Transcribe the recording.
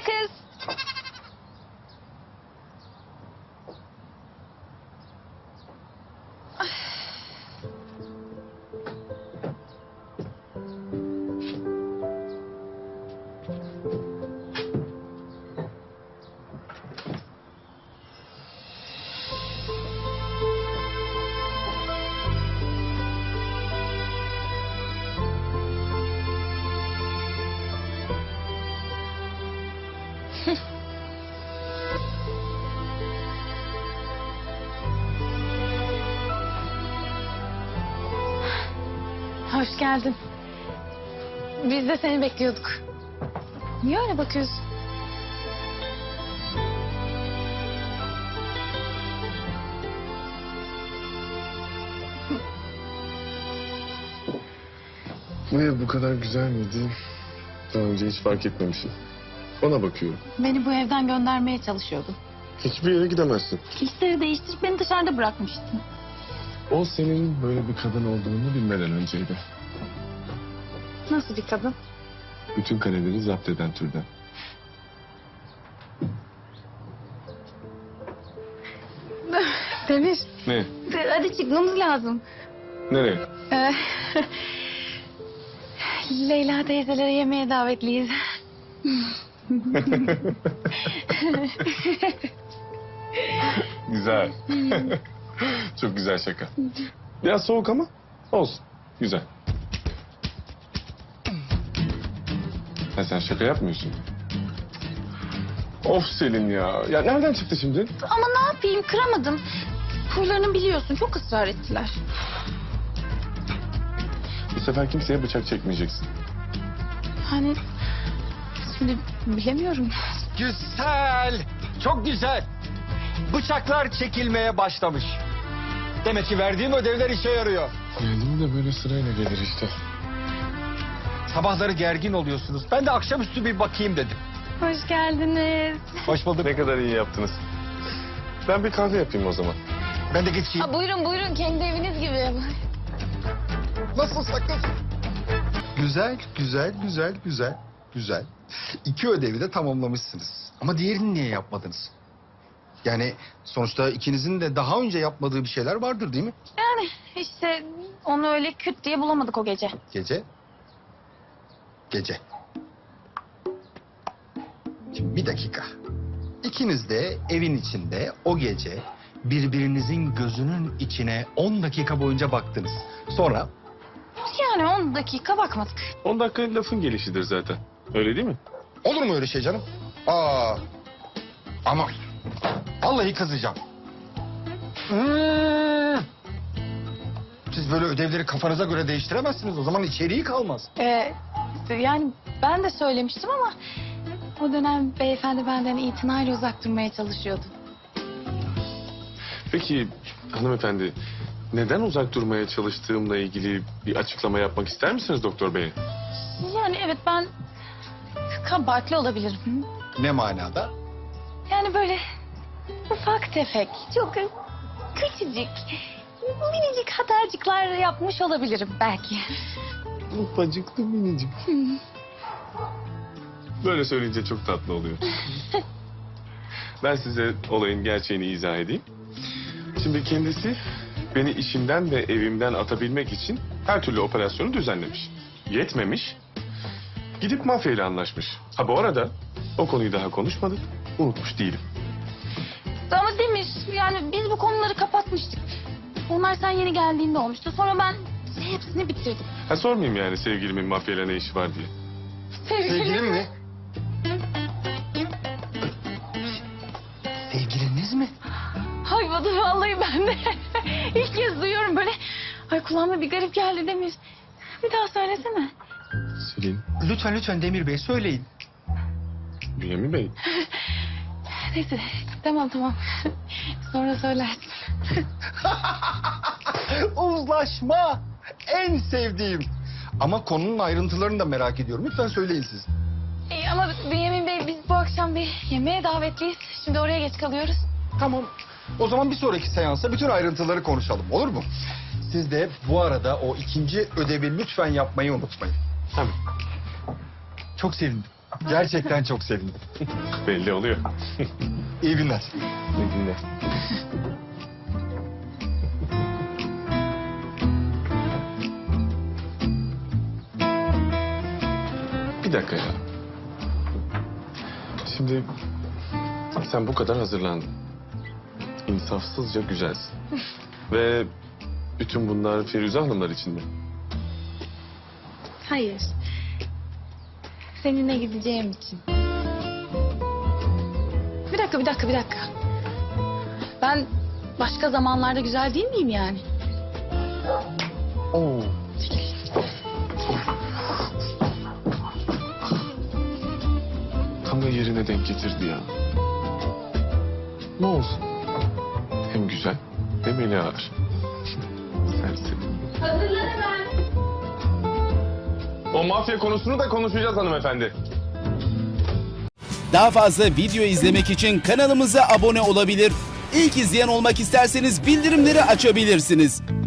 kız. Hoş geldin. Biz de seni bekliyorduk. Niye öyle bakıyorsun? Bu ev bu kadar güzel miydi? Daha önce hiç fark etmemişim. Ona bakıyorum. Beni bu evden göndermeye çalışıyordun. Hiçbir yere gidemezsin. Kilitleri değiştirip beni dışarıda bırakmıştın. O senin böyle bir kadın olduğunu bilmeden önceydi. Nasıl bir kadın? Bütün kaleleri zapt eden türden. Demir, Ne? hadi çıkmamız lazım. Nereye? Leyla teyzelere yemeğe davetliyiz. Güzel. Çok güzel şaka. Biraz soğuk ama olsun. Güzel. Ha, sen şaka yapmıyorsun. Of Selin ya. Ya nereden çıktı şimdi? Ama ne yapayım, kıramadım. Huylarını biliyorsun, çok ısrar ettiler. Bu sefer kimseye bıçak çekmeyeceksin. Hani şimdi bilemiyorum. Güzel, çok güzel. Bıçaklar çekilmeye başlamış. Demek ki verdiğim ödevler işe yarıyor. Geldiğim de böyle sırayla gelir işte. Sabahları gergin oluyorsunuz. Ben de akşamüstü bir bakayım dedim. Hoş geldiniz. Hoş bulduk. Ne kadar iyi yaptınız. Ben bir kahve yapayım o zaman. Ben de geçeyim. Buyurun buyurun, kendi eviniz gibi. Nasıl sakın? Güzel, güzel, güzel, güzel, güzel. 2 ödevi de tamamlamışsınız. Ama diğerini niye yapmadınız? Yani sonuçta ikinizin de daha önce yapmadığı bir şeyler vardır değil mi? Yani işte onu öyle küt diye bulamadık o gece. Gece. Gece. Şimdi bir dakika. İkiniz de evin içinde o gece birbirinizin gözünün içine 10 dakika boyunca baktınız. Sonra Yani 10 dakika bakmadık. 10 dakika lafın gelişidir zaten. Öyle değil mi? olur mu öyle şey canım? Ama vallahi kızacağım. Siz böyle ödevleri kafanıza göre değiştiremezsiniz. O zaman içeriği kalmaz. Yani ben de söylemiştim ama o dönem beyefendi benden itinayla uzak durmaya çalışıyordu. Peki hanımefendi, neden uzak durmaya çalıştığımla ilgili bir açıklama yapmak ister misiniz doktor bey? Yani evet, ben kabahatli olabilirim. Ne manada? Yani böyle ufak tefek, çok küçücük, minicik hatarcıklar yapmış olabilirim belki. Ufacıklı minicik. Böyle söyleyince çok tatlı oluyor. Ben size olayın gerçeğini izah edeyim. Şimdi kendisi beni işimden ve evimden atabilmek için her türlü operasyonu düzenlemiş. Yetmemiş. Gidip mafyayla anlaşmış. Ha bu arada o konuyu daha konuşmadık. Unutmuş değilim. Ama Demir, yani biz bu konuları kapatmıştık. Onlar sen yeni geldiğinde olmuştu. Sonra ben hepsini bitirdim. Ha sormayayım yani sevgilimin mafyayla ne işi var diye. Sevgilin mi? Sevgiliniz mi? Ay vallahi ben de ilk kez duyuyorum böyle. Ay kulağıma bir garip geldi Demir. Bir daha söylesene. Selin, Lütfen lütfen Demir Bey söyleyin. Bünyamin Bey. Neyse tamam. Sonra söylersin. Uzlaşma. En sevdiğim. Ama konunun ayrıntılarını da merak ediyorum. Lütfen söyleyin siz. Ama Bünyamin Bey, biz bu akşam bir yemeğe davetliyiz. Şimdi oraya geç kalıyoruz. Tamam. O zaman bir sonraki seansta bütün ayrıntıları konuşalım. Olur mu? Siz de bu arada o ikinci ödevi lütfen yapmayı unutmayın. Tabii. Çok sevindim. Gerçekten çok sevindim. Belli oluyor. İyi günler. İyi günler. Bir dakika ya. Şimdi sen bu kadar hazırlandın. İnsafsızca güzelsin. Ve bütün bunlar Firuze Hanımlar için mi? Hayır. Seninle gideceğim için. Bir dakika. Ben başka zamanlarda güzel değil miyim yani? Oo. Tam da yerine denk getirdi ya. Ne olsun? Hem güzel hem eli ağır. Serseri. Hazırlanın ben. O mafya konusunu da konuşacağız hanımefendi. Daha fazla video izlemek için kanalımıza abone olabilir. İlk izleyen olmak isterseniz bildirimleri açabilirsiniz.